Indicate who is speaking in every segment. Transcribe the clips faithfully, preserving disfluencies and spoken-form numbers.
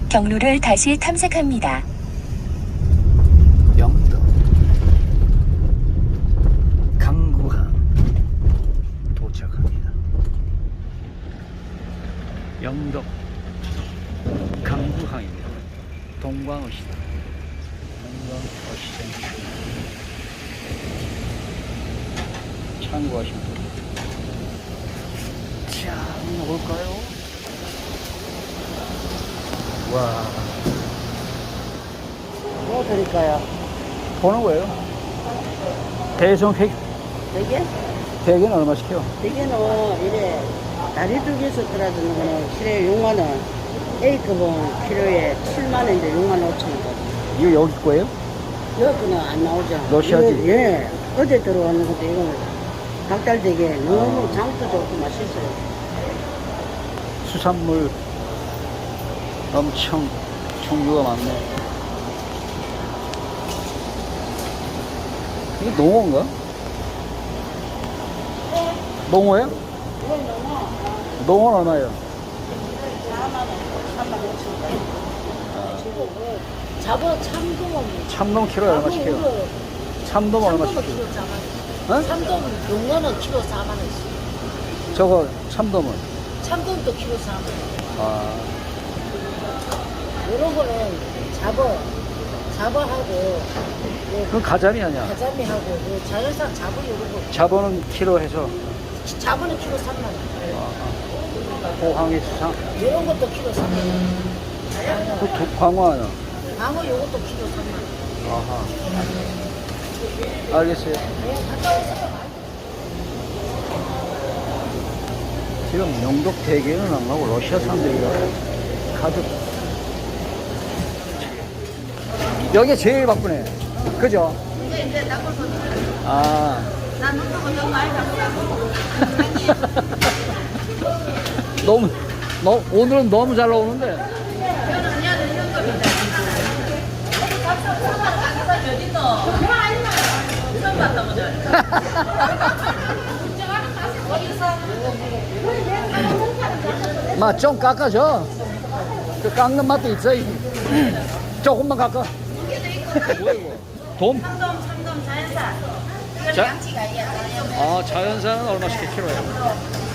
Speaker 1: 경로를 다시 탐색합니다.
Speaker 2: 영덕 강구항 도착합니다. 영덕 강구항입니다. 동광어시다. 동광어시장 참고하시면 됩니다. 자, 한번 볼까요? 와,
Speaker 3: 뭐 드릴까요?
Speaker 2: 보는 거예요? 대성 회,
Speaker 3: 되게?
Speaker 2: 대게는 얼마씩 해요?
Speaker 3: 되게는 이래 다리 두 개에서 떨어지는 거는 키로에 육만 원, A급은 키로에 칠만 원인데 육만 오천 원.
Speaker 2: 이거 여기 거예요?
Speaker 3: 여기는 안 나오죠.
Speaker 2: 러시아지?
Speaker 3: 이거, 예. 어제 들어오는 건데 이거는 닭달 되게 너무 장도 좋고 맛있어요.
Speaker 2: 수산물 엄청 종류가 많네. 이게 농어인가? 농어예요?
Speaker 3: 이건 너무
Speaker 2: 농어는 얼마예요?
Speaker 3: 사만 원, 삼만 오천 원. 지금 그 잡어 참돔.
Speaker 2: 참돔 키로에 얼마씩 해요? 참돔 얼마씩
Speaker 3: 참돔은
Speaker 2: 해요?
Speaker 3: 키로 사만
Speaker 2: 어?
Speaker 3: 원. 참돔 용어는 키로 사만 원씩.
Speaker 2: 저거 참돔은?
Speaker 3: 참돔도 키로 사만 원.
Speaker 2: 아,
Speaker 3: 이런 거는 잡어, 잡어하고,
Speaker 2: 그건 가자미 아니야?
Speaker 3: 가자미하고, 그 자연산 잡어 이런 거.
Speaker 2: 잡어는 키로 해서
Speaker 3: 잡어는 키로 삼만 원.
Speaker 2: 호황의 수상.
Speaker 3: 이런 것도 키로 삼만 원.
Speaker 2: 그 도- 광어 아니야?
Speaker 3: 방어 요것도 키로 삼만 원.
Speaker 2: 아하. 알겠어요.
Speaker 3: 네, 갔다 오세요.
Speaker 2: 지금 영덕 대게는 안 가고 러시아산 대게가 가득. 여기 제일 바쁘네. 그죠?
Speaker 3: 이제 이제 닭을 쏘는
Speaker 2: 아.
Speaker 3: 난 눈도 너무 많이 잡고.
Speaker 2: 너무, 너, 오늘은 너무 잘 나오는데.
Speaker 3: 저는 그냥 이런 겁니다. 몇 있노? 처음 봤다 보자.
Speaker 2: 마, 좀 깎아줘. 그 깎는 맛도 있어. 이. 조금만 깎아. 뭐야, 이거? 돔?
Speaker 3: 참돔, 참돔 자연산. 이거는
Speaker 2: 자?
Speaker 3: 양치가 이게 아니에요.
Speaker 2: 아, 자연산은 얼마씩 키로예요?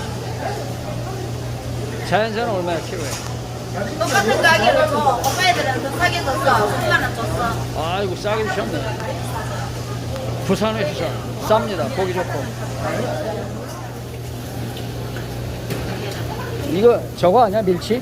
Speaker 2: 자연산은 얼마야 키로에?
Speaker 3: 똑같은 가격을 줘. 오빠애들은 더 싸게 줬어. 십만 원 줬어.
Speaker 2: 아이고 싸게 주셨네. 부산의 수산 쌉니다. 고기 좋고. 이거 저거 아니야 밀치?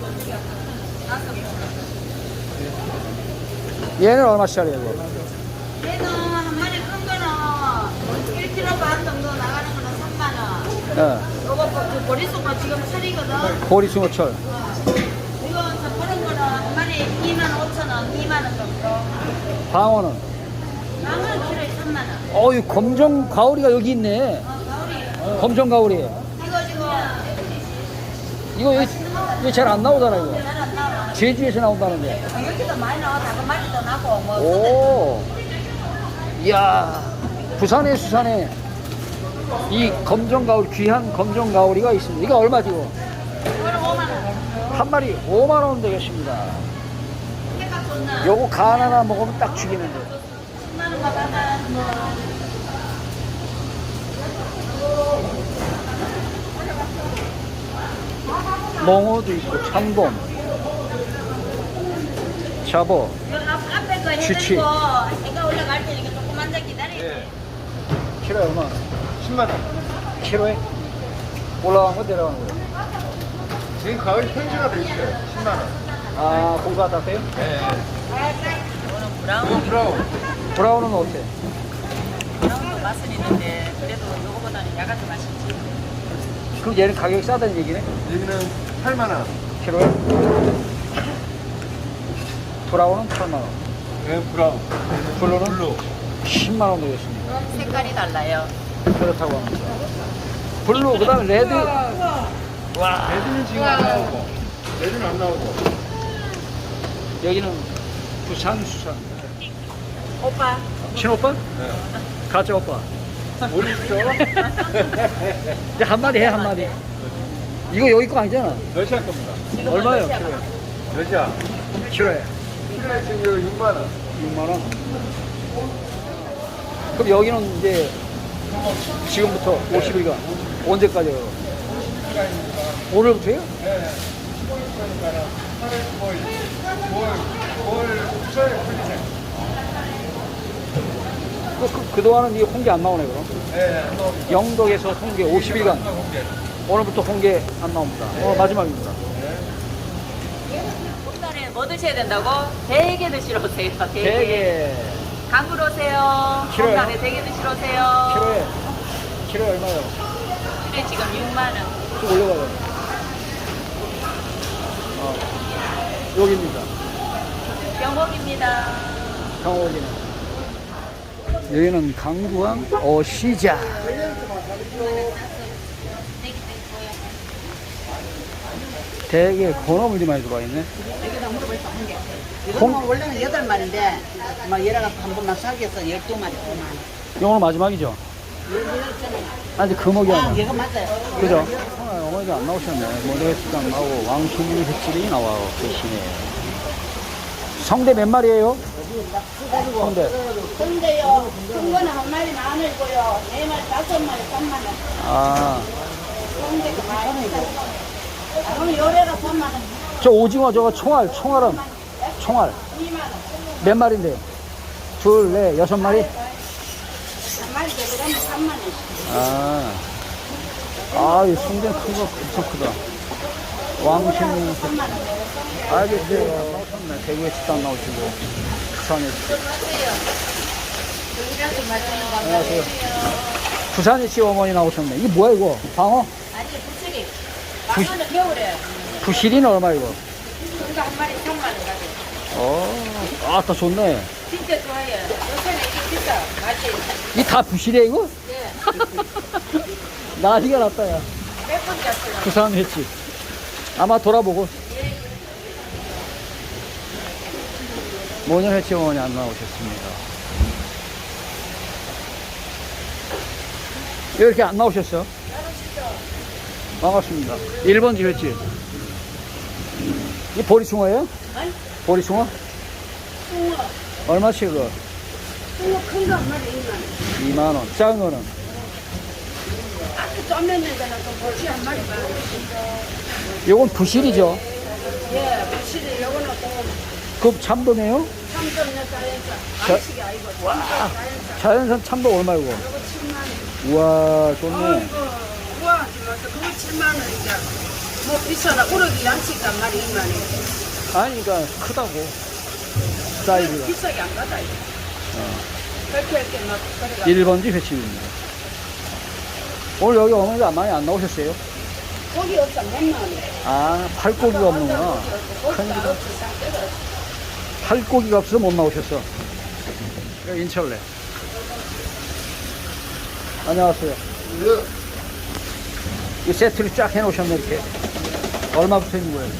Speaker 2: 얘는 얼마짜리야 이거?
Speaker 3: 얘는 한 마리 큰 거는 일 킬로그램 반 정도 나가는 거는 삼만 원.
Speaker 2: 예,
Speaker 3: 요거 그 보리수가 지금 철이거든.
Speaker 2: 보리숭어철.
Speaker 3: 이건 저 그런 거는 한 마리 이만 오천 원, 이만 원 정도.
Speaker 2: 방어는?
Speaker 3: 나무는 키로에 삼만 원.
Speaker 2: 어이 검정 가오리가 여기 있네.
Speaker 3: 어, 가오리.
Speaker 2: 검정 가오리.
Speaker 3: 이거 지금
Speaker 2: 이거 여기, 여기 잘 안 나오잖아 이거.
Speaker 3: 잘 안 나와.
Speaker 2: 제주에서 나온다는데.
Speaker 3: 어, 여기도 많이 나와. 다른 마리도 나고 뭐.
Speaker 2: 오, 이야, 부산의 수산에 이 검정 가오리, 귀한 검정 가오리가 있습니다. 이거 얼마지 이거?
Speaker 3: 이거는 오만 원.
Speaker 2: 한 마리 오만 원 되겠습니다.
Speaker 3: 해가 좋나?
Speaker 2: 요거 간 하나 먹으면 딱 죽이는데.
Speaker 3: 십만 원 받아봐.
Speaker 2: 농어도 있고 참돔, 잡어,
Speaker 3: 요 앞, 앞에 거
Speaker 2: 취취.
Speaker 3: 해드리고 해가 올라갈 테니까 조금만 더 기다려야 돼.
Speaker 2: 키로에 얼마?
Speaker 4: 십만 원.
Speaker 2: 키로에? 올라간 거 내려간 거예요?
Speaker 4: 지금 가을 현지가 돼 있어요. 십만 원.
Speaker 2: 아, 고가 다 돼요?
Speaker 4: 네.
Speaker 3: 이거는 브라운.
Speaker 4: 이건 브라운.
Speaker 2: 브라운은 어때?
Speaker 3: 브라운도 맛은 있는데 그래도 요거보다는 약간 더 맛있지.
Speaker 2: 그럼 얘는 가격이 싸다는 얘기네?
Speaker 4: 여기는 팔만 원.
Speaker 2: 키로에? 브라운은 팔만 원.
Speaker 4: 네, 브라운.
Speaker 2: 블루는?
Speaker 4: 블루.
Speaker 2: 십만 원 되겠습니다.
Speaker 3: 색깔이 달라요.
Speaker 2: 그렇다고 합니다. 블루, 그 다음에 레드. 와,
Speaker 4: 레드는 지금 안 나오고. 레드는 안 나오고.
Speaker 2: 여기는 부산 수산.
Speaker 3: 오빠.
Speaker 2: 친오빠?
Speaker 4: 네.
Speaker 2: 가짜 오빠.
Speaker 4: 모르시죠?
Speaker 2: 이제 한마디 해, 한마디. 이거 여기 거 아니잖아.
Speaker 4: 러시아 겁니다.
Speaker 2: 얼마예요, 키로에?
Speaker 4: 여자.
Speaker 2: 키로에
Speaker 4: 키로에 지금 이거 육만 원.
Speaker 2: 육만 원. 그럼 여기는 이제 지금부터 오십 일간 언제까지요? 오늘부터요?
Speaker 4: 네. 십오일까지니까는 팔월, 구월, 구월, 구월 초에 풀리세요.
Speaker 2: 그, 그, 그동안은 이 홍게 안 나오네, 그럼?
Speaker 4: 네, 안 나옵니다.
Speaker 2: 영덕에서 홍게 오십 일간.
Speaker 4: 홍게.
Speaker 2: 오늘부터 홍게 안 나옵니다. 오늘 마지막입니다.
Speaker 5: 봄날에 뭐 드셔야 된다고? 대게 드시러 오세요. 대게.
Speaker 2: 대게.
Speaker 5: 강으로 오세요.
Speaker 2: 키로요?
Speaker 5: 봄날에 대게 드시러 오세요.
Speaker 2: 키로에, 키로에 얼마요?
Speaker 5: 키로에 지금 육만 원.
Speaker 2: 좀 올려봐요. 어, 여기입니다.
Speaker 5: 경복입니다.
Speaker 2: 강호기는. 여기는 강구항 어시장. 되게 건어물이 많이 들어와 있네.
Speaker 3: 여기다 물어볼까 한 개.
Speaker 2: 홍-
Speaker 3: 이거는 원래는 여덟 마리인데 막 여러 가지 한 번만 사기해서 열두 마리 그만.
Speaker 2: 오늘 마지막이죠? 아직 금어기
Speaker 3: 아,
Speaker 2: 아니야.
Speaker 3: 얘가 맞아요.
Speaker 2: 그죠? 오늘 어머니가 안 나오셨네. 모래횟집도 안 나오고 왕신리 횟집이 나와 계시네. 성대 몇 마리예요? 성대.
Speaker 3: 근데요, 큰 거는 한 마리 만 원이고요. 네 마리, 다섯 마리, 삼만 원.
Speaker 2: 아,
Speaker 3: 근데 많이 있어요. 아, 오늘 요래가 삼만 원,
Speaker 2: 저 오징어 저거 총알, 총알은 총알
Speaker 3: 이만 원.
Speaker 2: 몇 마리인데요? 둘, 넷, 여섯 마리?
Speaker 3: 한 마리 더 그러면 삼만 원.
Speaker 2: 아, 아, 이 성대 큰 거 엄청 크다. 왕신리
Speaker 3: 삼만 원.
Speaker 2: 알겠어요. 나오셨네. 대구에 식당 나오시고 부산에. 안녕하세요. 부산에 씨 어머니 나오셨네. 이게 뭐야 이거? 방어?
Speaker 5: 아니, 부채기.
Speaker 2: 부-
Speaker 5: 방어는 겨울에.
Speaker 2: 부실이는 얼마 이거?
Speaker 5: 이거 한 마리 삼만 원 가게.
Speaker 2: 어, 아따 좋네.
Speaker 5: 진짜 좋아요. 요새는 이게 비싸. 맛이.
Speaker 2: 이 다 부실이야 이거?
Speaker 5: 네.
Speaker 2: 난리가 났다 야.
Speaker 5: 몇번 잤어요.
Speaker 2: 부산 횟집. 아마 돌아보고. 모녀 횟집 어머니 안 나오셨습니다. 왜 이렇게 안 나오셨어? 반갑습니다. 일 번지 횟집. 이 보리숭어예요?
Speaker 3: 아니,
Speaker 2: 보리숭어?
Speaker 3: 숭어.
Speaker 2: 얼마씩 그거?
Speaker 3: 숭어 큰 거 한 마리 이만 원.
Speaker 2: 이만 원. 작은 거는?
Speaker 3: 아주 쪄매는 거는 또 보시 한 마리 만 원.
Speaker 2: 요건 부실이죠?
Speaker 3: 예, 보시는 요거는 또
Speaker 2: 그 참돔이에요?
Speaker 3: 삼점몇 자연산.
Speaker 2: 자-
Speaker 3: 안식이 아니고
Speaker 2: 와,
Speaker 3: 자연산.
Speaker 2: 자연산 참돔 얼마 이거?
Speaker 3: 요거 칠만 원.
Speaker 2: 우와, 좋네.
Speaker 3: 아이고, 우와, 맞아. 그거 칠만 원이자. 뭐 비싸다. 우럭이 양식 한 마리 이만 원.
Speaker 2: 아니, 그러니까 크다고. 사이즈가.
Speaker 3: 비싸게 안 가다, 이거. 그렇게 할게 막, 그래가.
Speaker 2: 일 번지 횟집입니다. 오늘 여기 어머니가 많이 안 나오셨어요?
Speaker 3: 고기 없어, 몇만 원.
Speaker 2: 아, 팔고기가 없는구나. 큰일이다. 팔고기가 없어서 못 나오셨어. 여기 인철래. 안녕하세요. 이 세트를 쫙 해놓으셨네, 이렇게. 얼마부터 있는 거예요?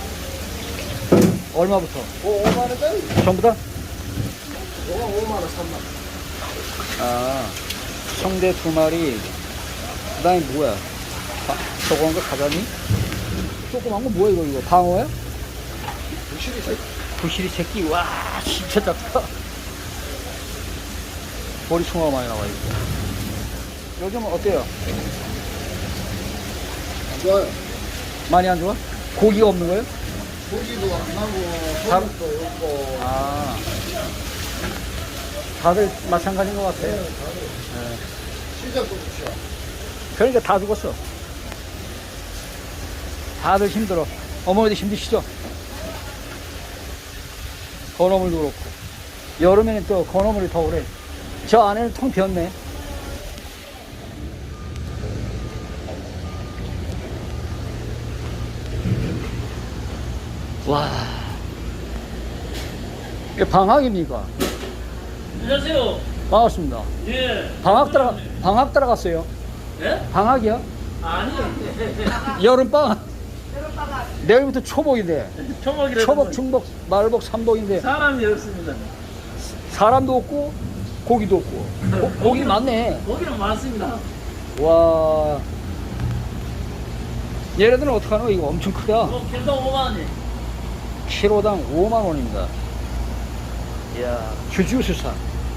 Speaker 2: 얼마부터?
Speaker 4: 오만 원짜리?
Speaker 2: 전부 다?
Speaker 4: 요거 오만 원, 삼만 원.
Speaker 2: 아, 성대 두 마리. 그 다음에 뭐야? 아, 저거 한 거 가자니? 조그만 거 뭐야, 이거, 이거? 방어야?
Speaker 4: 부실이 세.
Speaker 2: 부실이 새끼. 와, 진짜 작다. 보리숭어가 많이 나와, 이거. 요즘은 어때요?
Speaker 4: 좋아요.
Speaker 2: 많이 안 좋아? 고기가 없는 거예요?
Speaker 4: 고기도 안 나고,
Speaker 2: 다-
Speaker 4: 소금도 없고.
Speaker 2: 아. 다들 마찬가지인 것 같아요.
Speaker 4: 시작도 부셔.
Speaker 2: 그러니까 다 죽었어. 다들 힘들어. 어머니도 힘드시죠? 건어물도 그렇고. 여름에는 또 건어물이 더 오래. 저 안에는 통 비었네. 와. 이게 방학입니까?
Speaker 6: 안녕하세요.
Speaker 2: 반갑습니다.
Speaker 6: 예.
Speaker 2: 방학 들어가, 방학 들어갔어요.
Speaker 6: 예?
Speaker 2: 방학이요?
Speaker 6: 아니.
Speaker 2: 여름방학. 내일부터 초복인데.
Speaker 6: 초복이라.
Speaker 2: 초복, 중복, 말복, 삼복인데
Speaker 6: 사람이 없습니다.
Speaker 2: 사람도 없고 고기도 없고. 고, 고기 많네.
Speaker 6: 고기는 많습니다.
Speaker 2: 와. 얘네들은 어떡하노? 이거 엄청 크다.
Speaker 6: 뭐 길도 오만 원이.
Speaker 2: 키로당 오만 원입니다. 이야, 주주수산.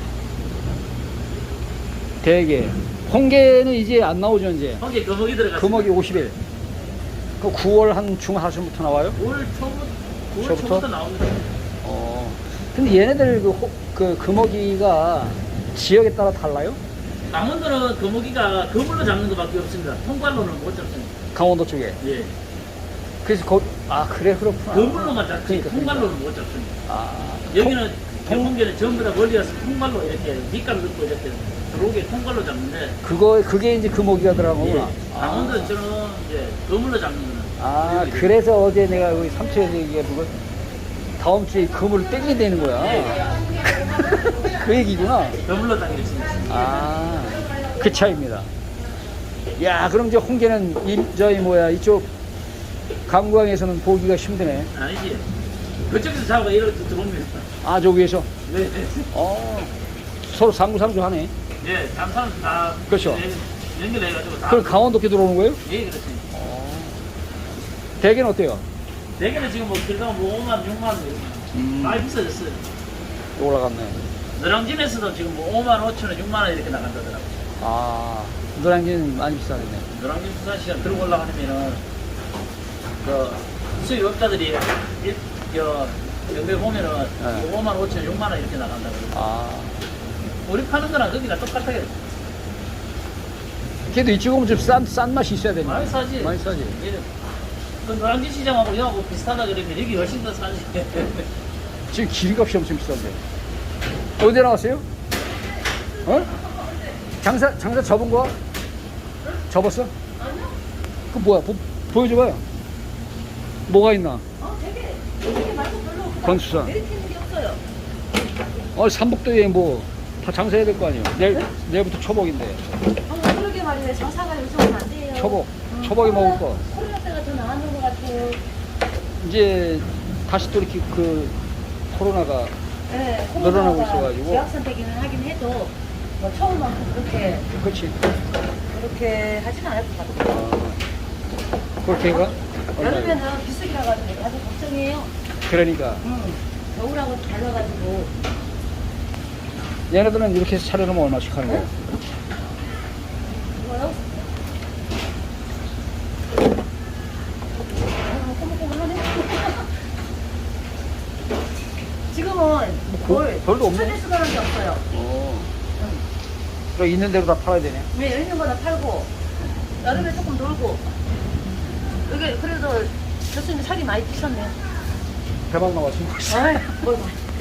Speaker 2: 대게. 홍게는 이제 안 나오죠, 이제.
Speaker 6: 홍게 거목이 들어갔어요.
Speaker 2: 금어기 오십 일. 그 구월 한 중하순부터 나와요?
Speaker 6: 올 초부터, 구월
Speaker 2: 초부터?
Speaker 6: 초부터 나옵니다.
Speaker 2: 어. 근데 얘네들 그, 호, 그 금어기가 지역에 따라 달라요?
Speaker 6: 강원도는 거목이가 그물로 잡는 것밖에 없습니다. 통발로는 못 잡습니다.
Speaker 2: 강원도 쪽에.
Speaker 6: 예.
Speaker 2: 그래서 거, 아, 그래, 그렇구나.
Speaker 6: 그물로만 잡지
Speaker 2: 그러니까, 그러니까.
Speaker 6: 통발로는 못 잡습니다.
Speaker 2: 아,
Speaker 6: 여기는 경문계는 전부 다 멀리 가서 통발로 이렇게 밑가루 넣고 이렇게 들어오게 통발로 잡는데
Speaker 2: 그거, 그게 이제 금어기가 들어간
Speaker 6: 예.
Speaker 2: 거구나.
Speaker 6: 강원도는 저는 이제 그물로 잡는 거는
Speaker 2: 아, 그래서 어제 내가 여기 삼촌에서 얘기해본 건 다음 주에 금을 땡긴다는 거야. 그 얘기구나.
Speaker 6: 그물로 당길 수 있습니다.
Speaker 2: 아, 그 차이입니다. 야, 그럼 이제 홍게는 이, 저희 뭐야, 이쪽 강구항에서는 보기가 힘드네.
Speaker 6: 아니지. 그쪽에서 잡아 이렇게 들어옵니다.
Speaker 2: 아, 저 위에서?
Speaker 6: 네.
Speaker 2: 어, 서로 상구상조 하네.
Speaker 6: 예, 다른 사람 다
Speaker 2: 그렇죠.
Speaker 6: 예, 연결해가지고 다.
Speaker 2: 그럼 강원도께 들어오는 거예요?
Speaker 6: 예, 그렇습니다.
Speaker 2: 대게는 어때요?
Speaker 6: 대게는 지금 뭐 길가 뭐 오만, 육만 원 이렇게
Speaker 2: 음.
Speaker 6: 많이 비싸졌어요.
Speaker 2: 올라갔네.
Speaker 6: 너랑진에서도 지금 뭐 오만 오천 원, 육만 원 이렇게 나간다더라고요.
Speaker 2: 아, 노량진 많이 비싸겠네.
Speaker 6: 너랑진 부산시장 들고 올라가면은 그 수입업자들이 일, 저 연배 보면은
Speaker 2: 네.
Speaker 6: 오만 오천 원, 육만 원 이렇게 나간다 그러고.
Speaker 2: 아,
Speaker 6: 우리 파는 거랑 거기가 똑같아요.
Speaker 2: 그래도 이쪽은 좀 싼, 싼 맛이 있어야 되네.
Speaker 6: 많이 싸지.
Speaker 2: 많이 싸지.
Speaker 6: 예. 그 노량진 시장하고 여하고 비슷하다 그러면 여기 훨씬 더 싸지.
Speaker 2: 지금 기름값이 엄청 비싼데. 어디 나왔어요? 어? 장사, 장사 접은 거야? 접었어? 아니요. 그 뭐야? 보, 보여줘봐요. 뭐가 있나?
Speaker 7: 어, 되게, 되게 맛도 별로 없고
Speaker 2: 건수산.
Speaker 7: 메리트는 게 없어요.
Speaker 2: 어, 삼복도에 뭐, 다 장사해야 될 거 아니에요? 내일, 내일부터 초복인데.
Speaker 7: 어, 그러게 말이에요. 장사가 요즘은 안 돼요.
Speaker 2: 초복.
Speaker 7: 음,
Speaker 2: 초복에 먹을
Speaker 7: 코로나-
Speaker 2: 거.
Speaker 7: 코로나 때가 더 나았는 것 같아요.
Speaker 2: 이제, 다시 또 이렇게 그, 코로나가
Speaker 7: 네,
Speaker 2: 늘어나고
Speaker 7: 코로나가
Speaker 2: 있어가지고.
Speaker 7: 지역 선택이는 하긴 해도 뭐 처음만큼 그렇게
Speaker 2: 그렇지.
Speaker 7: 그렇게 하지는 않을 것 같아요.
Speaker 2: 어, 그렇게 해가?
Speaker 7: 여름에는 비수기라 가지고 다들 걱정이에요.
Speaker 2: 그러니까.
Speaker 7: 음, 겨울하고 달라가지고
Speaker 2: 얘네들은 이렇게 해서 차려놓으면 얼마씩 하는 거예요?
Speaker 7: 이거요? 아, 꼬물꼬물하네. 지금은 뭘
Speaker 2: 별도 없네.
Speaker 7: 찾을 수가 게 없어요.
Speaker 2: 어. 그럼 있는 대로 다 팔아야 되네.
Speaker 7: 네, 있는 거다 팔고 여름에 조금 놀고 이게 그래도 교수님 살이 많이 찌셨네요.
Speaker 2: 대박 나왔어.
Speaker 7: 아이, 뭘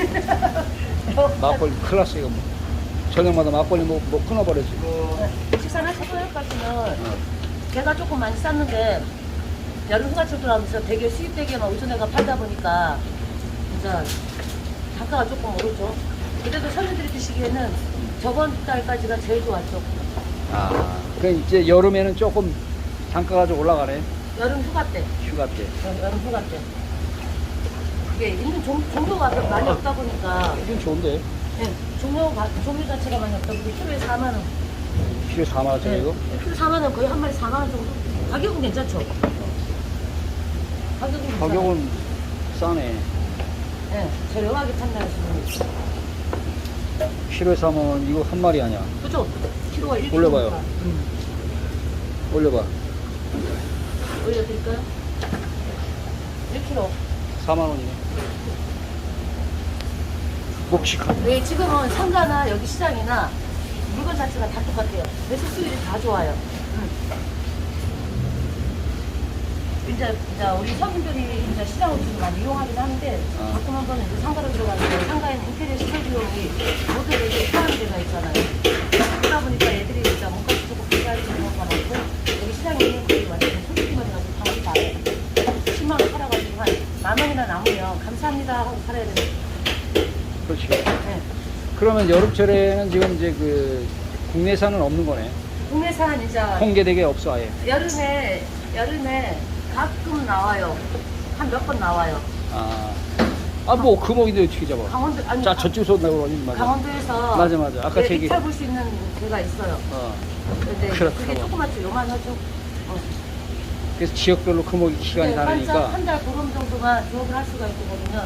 Speaker 2: 막걸리 큰일 났어, 이거 뭐. 저녁마다 막걸리 뭐, 뭐 끊어버렸지.
Speaker 7: 식사나 초저녁까지는 개가 조금 많이 쌌는데 여름 휴가철 들어가면서 대게 수입 대게만 우선해가 팔다 보니까 진짜 단가가 조금 오르죠. 그래도 손님들이 드시기에는 저번 달까지가 제일 좋았죠.
Speaker 2: 아, 그 이제 여름에는 조금 단가가 좀 올라가네.
Speaker 7: 여름 휴가 때,
Speaker 2: 휴가 때.
Speaker 7: 여- 여름 휴가 때. 이게 있는 종, 종류가 많이 없다 보니까
Speaker 2: 이건 좋은데.
Speaker 7: 네, 종류가, 종류 자체가 많이 없다 보니까 키로에 사만 원.
Speaker 2: 키로 사만 원짜리 이거?
Speaker 7: 키로 사만 원, 거의 한 마리 사만 원 정도. 가격은 괜찮죠? 가격은 괜찮아요.
Speaker 2: 가격은 싸네.
Speaker 7: 네, 저렴하게 판단하시면.
Speaker 2: 키로에 사만 원, 이거 한 마리 아니야.
Speaker 7: 그죠? 키로가 일
Speaker 2: 올려봐요.
Speaker 7: 킬로니까. 음.
Speaker 2: 올려봐.
Speaker 7: 올려드릴까요? 일 킬로그램.
Speaker 2: 사만 원이네. 묵직한.
Speaker 7: 네, 지금은 상가나 여기 시장이나 물건 자체가 다 똑같아요. 매수 수율이 다 좋아요. 음. 이제, 이제 우리 서민들이 이제 시장을 좀 많이 이용하긴 하는데
Speaker 2: 아.
Speaker 7: 가끔 한 번은 이제 상가로 들어가는데 상가에는 인테리어 시설 비용이 모두 이렇게 포함이 되어 있잖아요. 그러다 보니까 애들이 진짜 몸값이 조금 비싸게 되는 경우가 많고 여기 시장이 거의 완전 솔직히만 가지고 방을 봐요. 십만 원 팔아가지고 한 만 원이나 남으면 감사합니다 하고 팔아야 되는.
Speaker 2: 그렇지.
Speaker 7: 네.
Speaker 2: 그러면 여름철에는 지금 이제 그 국내산은 없는 거네.
Speaker 7: 국내산 이제
Speaker 2: 홍게 대게 없어 아예.
Speaker 7: 여름에 여름에 가끔 나와요. 한 몇 번 나와요.
Speaker 2: 아, 아 뭐 금옥인데 어떻게 잡아?
Speaker 7: 강원도 아니
Speaker 2: 자
Speaker 7: 가-
Speaker 2: 저쪽에서 나오니 맞아.
Speaker 7: 강원도에서
Speaker 2: 맞아, 맞아. 아까
Speaker 7: 예,
Speaker 2: 제 얘기.
Speaker 7: 입찰 볼 수 있는 데가 있어요.
Speaker 2: 어.
Speaker 7: 근데
Speaker 2: 그렇다고.
Speaker 7: 그게 조그맣죠, 요만하죠. 어.
Speaker 2: 그래서 지역별로 금오기 시간이 다르니까.
Speaker 7: 한달 보름 정도만 조업을 할 수가 있거든요.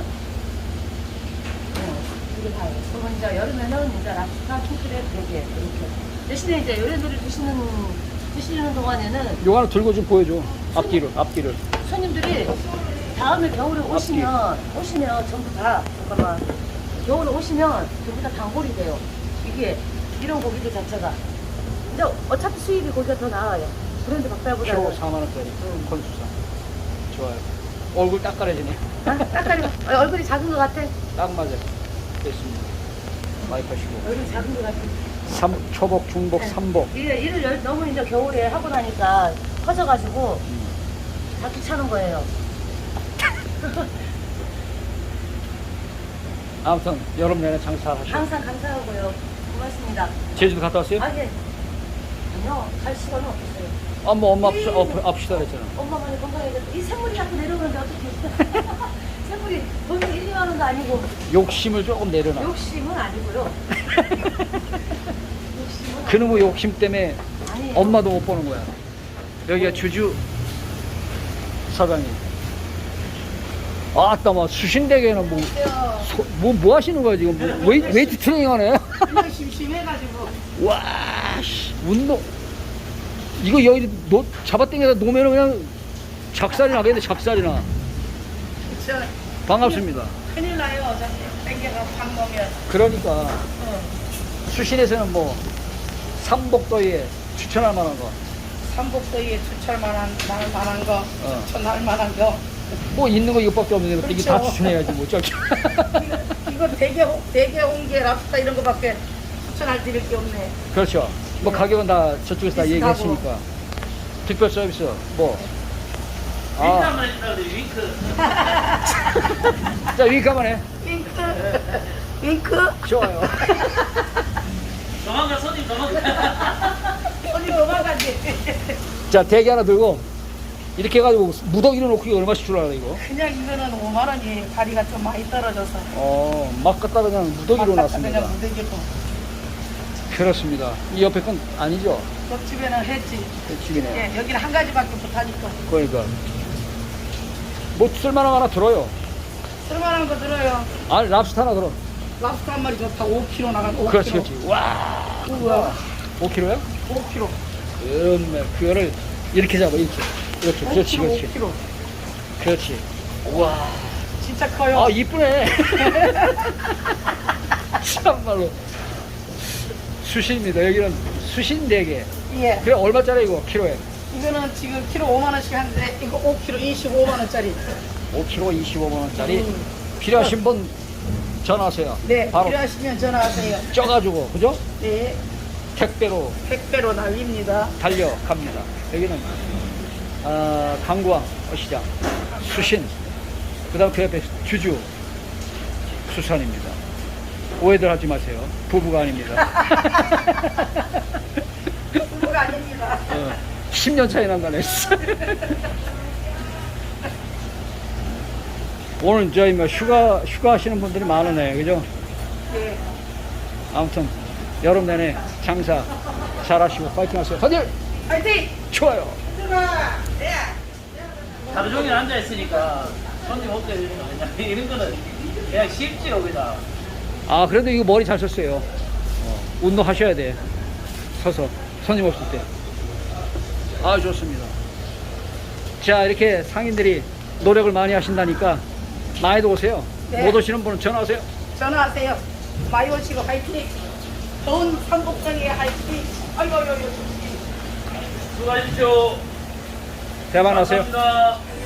Speaker 7: 네, 이게 다예요. 그러면 이제 여름에는 이제 랍스타, 킹크랩, 대게 이렇게. 대신에 이제 요래들을 드시는 드시는 동안에는
Speaker 2: 요거 하나 들고 좀 보여줘. 앞뒤를, 앞뒤를.
Speaker 7: 손님들이 다음에 겨울에 오시면 오시면 전부 다 잠깐만 겨울에 오시면 전부 다 단골이 돼요. 이게 이런 고기들 자체가. 근데 어차피 수입이 고기가 더 나아요. 브랜드 박달보다.
Speaker 2: 키로 사만 원짜리 콘수산. 좋아요. 얼굴 딱 가려지네.
Speaker 7: 아, 딱가리 얼굴이 작은 것 같아.
Speaker 2: 딱 맞아요. 됐습니다. 많이 파시고.
Speaker 7: 얼굴이 작은 것 같아.
Speaker 2: 삼, 초복, 중복, 삼복.
Speaker 7: 이게 일을 열- 너무 이제 겨울에 하고 나니까 커져가지고 다 귀찮은 거예요.
Speaker 2: 아무튼 여름 내내 장사하시고.
Speaker 7: 항상 감사하고요. 고맙습니다.
Speaker 2: 제주도 갔다 왔어요?
Speaker 7: 아, 예. 아니요, 갈 시간은 없었어요.
Speaker 2: 아, 뭐 엄마 앞시, 어, 앞시다 그랬잖아.
Speaker 7: 엄마만이 건강해졌어. 이 샘물이 자꾸 내려오는데 어떻게 샘물이 돈이 일, 이만 원도 아니고
Speaker 2: 욕심을 조금 내려놔.
Speaker 7: 욕심은 아니고요. 욕심은
Speaker 2: 그놈의 욕심 때문에
Speaker 7: 아니에요.
Speaker 2: 엄마도 못 보는 거야. 여기가 주주 사장님. 아따, 뭐, 수신대게는 뭐, 소, 뭐, 뭐 하시는 거야, 지금? 뭐, 웨이, 웨이트 트레이닝 하네?
Speaker 3: 그냥 심심해가지고.
Speaker 2: 와, 씨, 운동. 이거 여기 노, 잡아당겨서 놓으면 그냥 작살이 나겠네, 작살이 나.
Speaker 3: 저
Speaker 2: 반갑습니다.
Speaker 3: 큰일 나요. 어차피 땡겨가 밥 먹으면.
Speaker 2: 그러니까, 수신에서는 뭐, 삼복더위에 추천할 만한 거.
Speaker 3: 삼복더위에 추천할 만한, 만할 만한 거,
Speaker 2: 어.
Speaker 3: 추천할 만한 거.
Speaker 2: 뭐, 있는 거 이것밖에 없는데, 이게 다
Speaker 3: 그렇죠.
Speaker 2: 추천해야지, 뭐, 저기.
Speaker 3: 이거 대게, 홍- 대게, 홍게, 랍스타 이런 거밖에 추천할 드릴 게 없네.
Speaker 2: 그렇죠. 뭐, 가격은 다 저쪽에서 다
Speaker 3: 비슷하고.
Speaker 2: 얘기했으니까. 특별 서비스, 뭐.
Speaker 6: 윙크
Speaker 2: 아,
Speaker 6: 한번 해주라 그래, 윙크.
Speaker 2: 자, 윙크 한번 해.
Speaker 3: 윙크, 윙크.
Speaker 2: 좋아요.
Speaker 6: 도망가, 손님 도망가.
Speaker 3: 손이 넘어가지.
Speaker 2: 자, 대게 하나 들고, 이렇게 해가지고 무더기로 놓고 이거 얼마씩 주려고 그래, 이거?
Speaker 3: 그냥 이거는 오만 원이 다리가 좀 많이 떨어져서.
Speaker 2: 어, 막 갖다 그냥 무더기로
Speaker 3: 막
Speaker 2: 놨습니다.
Speaker 3: 그냥 무대기고.
Speaker 2: 그렇습니다. 이 옆에 건 아니죠?
Speaker 3: 옆집에는 했지.
Speaker 2: 집이네.
Speaker 3: 예, 여기는 한 가지밖에 못하니까.
Speaker 2: 그러니까. 뭐 쓸만한 거 하나 들어요.
Speaker 3: 쓸만한 거 들어요.
Speaker 2: 아, 랍스터 하나 들어.
Speaker 3: 랍스터 한 마리 좋다. 오 킬로그램 나간 오 킬로그램.
Speaker 2: 그렇지, 그렇지. 와,
Speaker 3: 우와.
Speaker 2: 오 킬로야?
Speaker 3: 오 킬로그램.
Speaker 2: 그렇네. 그거를 이렇게 잡아, 이렇게. 이렇게. 그렇지, 그렇지.
Speaker 3: 오 킬로그램.
Speaker 2: 그렇지. 와.
Speaker 3: 진짜 커요.
Speaker 2: 아, 이쁘네. 참말로. 수신입니다. 여기는 수신 네 개.
Speaker 3: 예.
Speaker 2: 그래, 얼마짜리 이거, 키로에?
Speaker 3: 이거는 지금 키로 오만 원씩 하는데 이거 오 킬로그램 이십오만 원짜리.
Speaker 2: 오 킬로그램 이십오만 원짜리.
Speaker 3: 음.
Speaker 2: 필요하신 분 전화하세요.
Speaker 3: 네.
Speaker 2: 바로
Speaker 3: 필요하시면 전화하세요.
Speaker 2: 쪄가지고, 그죠?
Speaker 3: 네.
Speaker 2: 택배로
Speaker 3: 택배로 날립니다.
Speaker 2: 달려갑니다. 여기는 아, 강구항 어시장 수신, 그 다음 그 옆에 주주 수산입니다. 오해들 하지 마세요. 부부가 아닙니다.
Speaker 3: 부부가 아닙니다.
Speaker 2: 어, 십 년 차이 난다네. 오늘 저희 뭐 휴가 휴가 하시는 분들이 많으네, 그죠?
Speaker 3: 네.
Speaker 2: 아무튼 여름 내내 장사 잘하시고 파이팅하세요. 다들
Speaker 3: 파이팅!
Speaker 2: 좋아요.
Speaker 3: 들어가! 네.
Speaker 6: 하루 종일 앉아있으니까 손님 없게 되는 거 아니야. 이런 거는 그냥 쉽지요, 그냥.
Speaker 2: 아, 그래도 이거 머리 잘 썼어요. 어, 운동하셔야 돼. 서서 손님 없을 때. 아, 좋습니다. 자, 이렇게 상인들이 노력을 많이 하신다니까 많이들 오세요.
Speaker 3: 네.
Speaker 2: 못 오시는 분은 전화하세요.
Speaker 3: 전화하세요. 많이 오시고 화이팅! 더운 삼복장에 화이팅! 아이고, 아이고, 아이고.
Speaker 6: 수고하십시오.
Speaker 2: 대박 나세요.
Speaker 6: 감사합니다.